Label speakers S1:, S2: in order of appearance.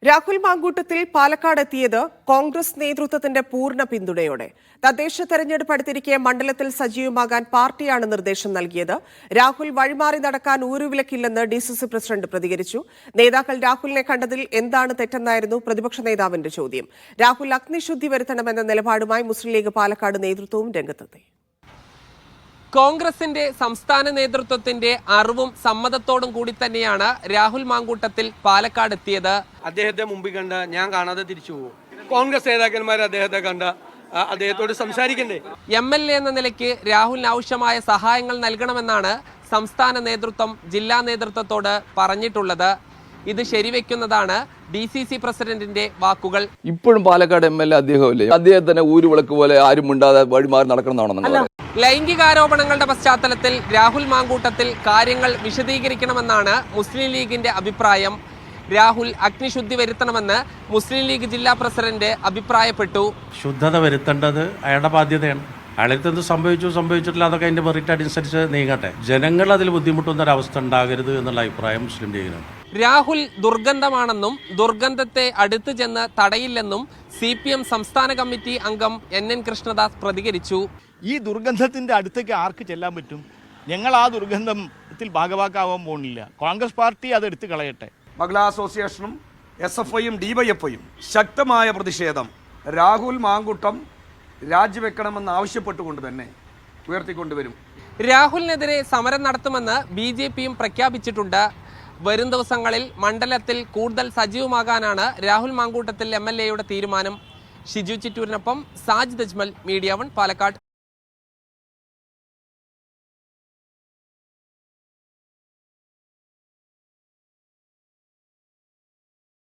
S1: രാഹുൽ മാങ്കൂട്ടത്തിൽ പാലക്കാട് എത്തിയത് കോൺഗ്രസ് നേതൃത്വത്തിന്റെ പൂർണ്ണ പിന്തുണയോടെ. തദ്ദേശ തെരഞ്ഞെടുപ്പ് അടുത്തിരിക്കെ മണ്ഡലത്തിൽ സജീവമാകാൻ പാർട്ടിയാണ് നിർദ്ദേശം നൽകിയത്. രാഹുൽ വഴിമാറി നടക്കാൻ ഊരുവിലക്കില്ലെന്ന് ഡിസിസി പ്രസിഡന്റ് പ്രതികരിച്ചു. നേതാക്കൾ രാഹുലിനെ കണ്ടതിൽ എന്താണ് തെറ്റെന്നായിരുന്നു പ്രതിപക്ഷ നേതാവിന്റെ ചോദ്യം. രാഹുൽ അഗ്നിശുദ്ധി വരുത്തണമെന്ന നിലപാടുമായി മുസ്ലിം ലീഗ് പാലക്കാട് നേതൃത്വവും രംഗത്തെത്തി.
S2: കോൺഗ്രസിന്റെ സംസ്ഥാന നേതൃത്വത്തിന്റെ അറിവും സമ്മതത്തോടും കൂടി തന്നെയാണ് രാഹുൽ മാങ്കൂട്ടത്തിൽ പാലക്കാട് എത്തിയത്.
S3: അദ്ദേഹത്തെ മുമ്പിൽ കണ്ട ഞാൻ കാണാതെ തിരിച്ചു പോകും. കോൺഗ്രസ് നേതാക്കന്മാർ അദ്ദേഹത്തെ കണ്ട അദ്ദേഹത്തോട് സംസാരിക്കണ്ടേ?
S2: MLA എന്ന നിലയ്ക്ക് രാഹുലിന് ആവശ്യമായ സഹായങ്ങൾ നൽകണമെന്നാണ് സംസ്ഥാന നേതൃത്വം ജില്ലാ നേതൃത്വത്തോട് പറഞ്ഞിട്ടുള്ളത്. ഇത് ശരിവെക്കുന്നതാണ് DCC പ്രസിഡന്റിന്റെ വാക്കുകൾ.
S4: ഇപ്പോഴും പാലക്കാട് MLA അദ്ദേഹമല്ലേ? അദ്ദേഹത്തിന് ഊരുവിളക്ക് പോലെ ആരും മിണ്ടാതെ വഴിമാറി നടക്കണമെന്നാണ്.
S2: ലൈംഗികാരോപണങ്ങളുടെ പശ്ചാത്തലത്തിൽ രാഹുൽ മാങ്കൂട്ടത്തിൽ കാര്യങ്ങൾ വിശദീകരിക്കണമെന്നാണ് മുസ്ലിം ലീഗിന്റെ അഭിപ്രായം. രാഹുൽ അഗ്നിശുദ്ധി വരുത്തണമെന്ന് മുസ്ലിം ലീഗ് ജില്ലാ പ്രസിഡന്റ് അഭിപ്രായപ്പെട്ടു.
S5: ശുദ്ധത വരുത്തേണ്ടത് അയാളുടെ ബാധ്യതയാണ്. അയാൾക്ക് എന്ത് സംഭവിച്ചിട്ടില്ല, അതൊക്കെ അതിന്റെ മെറിറ്റ് അനുസരിച്ച് നീങ്ങട്ടെ. ജനങ്ങൾ അതിൽ ബുദ്ധിമുട്ടുന്ന ഒരവസ്ഥ ഉണ്ടാകരുത് എന്നുള്ള അഭിപ്രായം മുസ്ലിം ലീഗിനാണ്.
S2: രാഹുൽ ദുർഗന്ധമാണെന്നും ദുർഗന്ധത്തെ അടുത്ത് ചെന്ന് തടയില്ലെന്നും CPM സംസ്ഥാന കമ്മിറ്റി അംഗം NN കൃഷ്ണദാസ് പ്രതികരിച്ചു.
S6: ഈ ദുർഗന്ധത്തിന്റെ അടുത്തേക്ക് ആർക്ക് ചെല്ലാൻ പറ്റും? ഞങ്ങൾ ആ ദുർഗന്ധത്തിൽ ഭാഗവാക്കാവാൻ പോകുന്നില്ല. കോൺഗ്രസ് പാർട്ടി അത് എടുത്തു കളയട്ടെ.
S7: മഹിളാ അസോസിയേഷനും SFIയും DYFIയും ശക്തമായ പ്രതിഷേധം രാഹുൽ മാങ്കൂട്ടം രാജിവെക്കണമെന്ന് ആവശ്യപ്പെട്ടുകൊണ്ട് തന്നെ ഉയർത്തിക്കൊണ്ടുവരും.
S2: രാഹുലിനെതിരെ സമരം നടത്തുമെന്ന് BJPയും പ്രഖ്യാപിച്ചിട്ടുണ്ട്. വരും ദിവസങ്ങളിൽ മണ്ഡലത്തിൽ കൂടുതൽ സജീവമാകാനാണ് രാഹുൽ മാങ്കൂട്ടത്തിൽ MLAയുടെ തീരുമാനം. ഷിജു ചിറ്റൂരിനൊപ്പം സാജിദ് അജ്മൽ, മീഡിയ 1 പാലക്കാട്.